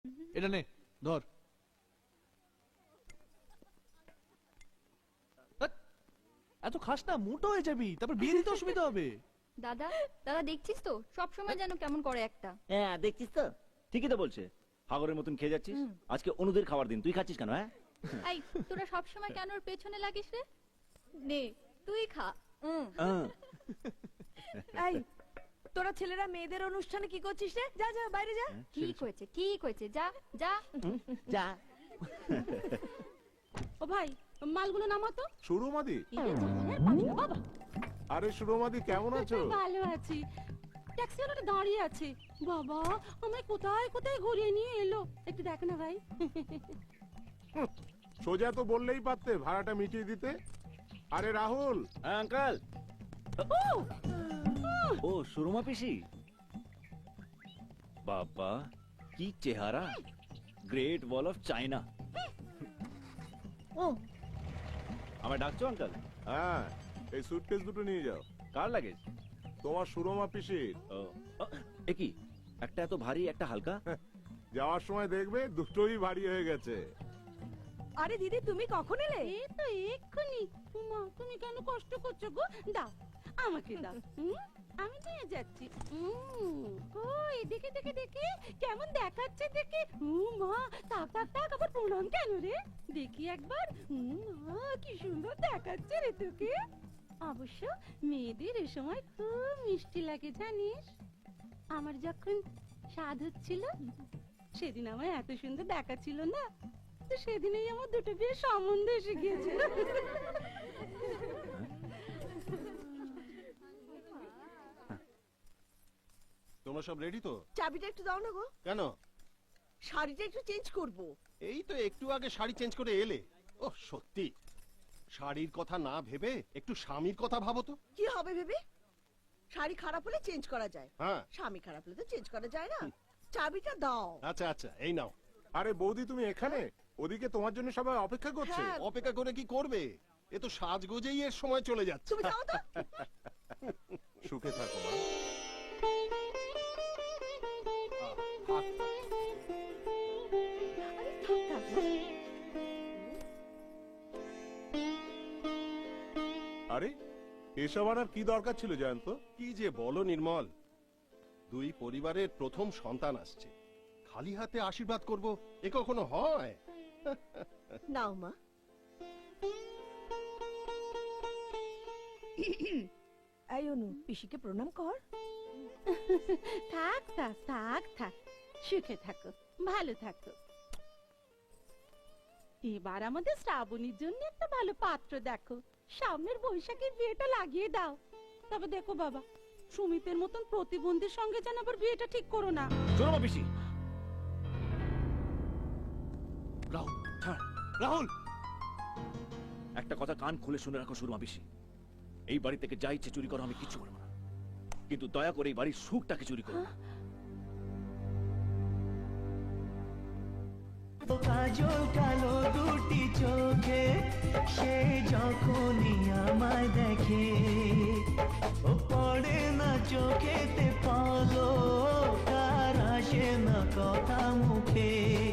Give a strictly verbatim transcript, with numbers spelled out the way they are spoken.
এটা নে ধর। ধ্যাৎ, এত খাস না, মোটো হয়ে যাবি, তারপর বিয়ে দিতে অসুবিধা হবে। দাদা দাদা দেখছিস তো সব সময় যেন কেমন করে একটা। হ্যাঁ দেখছিস তো, ঠিকই তো বলছে। হাগরের মতন খেয়ে যাচ্ছিস। আজকে অনুদের খাবার দিন, তুই খাচ্ছিস কেন? হ্যাঁ এই তোরা সব সময় কেন ওর পেছনে লাগিস রে? নে তুই খা। হ্যাঁ। এই তোরা ছেলেরা মেয়েদের অনুষ্ঠানে কি করছিস রে? যা যা বাইরে যা। ঠিক হয়েছে ঠিক হয়েছে, যা যা। যা। ও ভাই, মালগুলো নামাতো। সুরমাদি, এই জামানের পাবি না বাবা। আরে সুরমাদি কেমন আছো? ভালো আছি। ট্যাক্সি ওটা দাঁড়িয়ে আছে। বাবা আমায় কোথায় কোথায় ঘুরিয়ে নিয়ে এলো, একটু দেখ না ভাই। হুঁ, সোজা তো বললেই পারতে ভাড়াটা মিটিয়ে দিতে। আরে রাহুল, হ্যাঁ আঙ্কেল। ও সুরমা পিসি, বাবা কি চেহারা, গ্রেট ওয়াল অফ চায়না। ও আমায় ডাকছো আঙ্কেল? হ্যাঁ এই সুটকেস দুটো নিয়ে যাও। কার লাগেজ? তোমার সুরমা পিসির। ও এ কি, একটা এত ভারী একটা হালকা। যাওয়ার সময় দেখবে দুটোই ভারী হয়ে গেছে। আরে দিদি তুমি কখন এলে? এই তো এক্ষুনি। মা তুমি কেন কষ্ট করছো গো? দাও আমাকে দাও। হুম, আমি নিয়ে যাচ্ছি। হুম, ও এদিকে দেখে দেখে কেমন দেখাচ্ছে দেখে। হুম মা, তাক তাক তাক, আবার প্রণাম কেন রে? দেখি একবার। হুম মা, কি সুন্দর দেখাচ্ছে রে তোকে। অবশ্য মেয়েদের এ সময় খুব মিষ্টি লাগে জানিস। আমার যখন স্বাদ হচ্ছিল সেদিন আমায় এত সুন্দর দেখাচ্ছিল না, তো সেদিনই আমার দুটো বিয়ে সম্বন্ধ এসে গিয়েছিল। তোমরা সব রেডি তো? চাবিটা একটু দাও না গো। কেন? শাড়িটা একটু চেঞ্জ করব। এই তো একটু আগে শাড়ি চেঞ্জ করে এলে। ও সত্যি, শাড়ির কথা না ভেবে একটু স্বামীর কথা ভাবো তো। কি হবে ভেবে? শাড়ি খারাপ হলে চেঞ্জ করা যায়, হ্যাঁ স্বামী খারাপ হলে তো চেঞ্জ করা যায় না। চাবিটা দাও। আচ্ছা আচ্ছা, এই নাও। আরে বৌদি তুমি এখানে, ওদিকে তোমার জন্য সবাই অপেক্ষা করছে। হ্যাঁ। অপেক্ষা করে কি করবে? এ তো সাজগোজেই এর সময় চলে যাচ্ছে। তুমি যাও তো। সুখে থাকো মা। আরে থাক, থাক, থাক। আরে এসব আনার কি দরকার ছিল জয়ন্ত? কি যে বলো নির্মল, দুই পরিবারের প্রথম সন্তান আসছে, খালি হাতে আশীর্বাদ করব এ কখনো হয়? নাও মা। এই অনু, পিসিকে প্রণাম কর। থাক থাক থাক থাক, সুখে থাকো, ভালো থাকো। এবার আমাদের শ্রাবণীর জন্য একটা ভালো পাত্র দেখো, সামনের বৈশাখের বিয়েটা লাগিয়ে দাও। তবে দেখো বাবা, সুমিতের মতন প্রতিবন্ধীর সঙ্গে যেন আবার বিয়েটা ঠিক করো না। সুরমা পিসি, রাহুল ছাড়, রাহুল। একটা কথা কান খুলে শুনে রাখো সুরমা পিসি, এই বাড়ি থেকে যা ইচ্ছে চুরি করো, আমি কিচ্ছু করবো না, কিন্তু দয়া করে এই বাড়ির সুখটাকে চুরি করো না। কাজল কালো দুটি চোখে সে যখনই আমায় দেখে, ও পড়ে না চোখেতে পলক, তার আসে না কথা মুখে।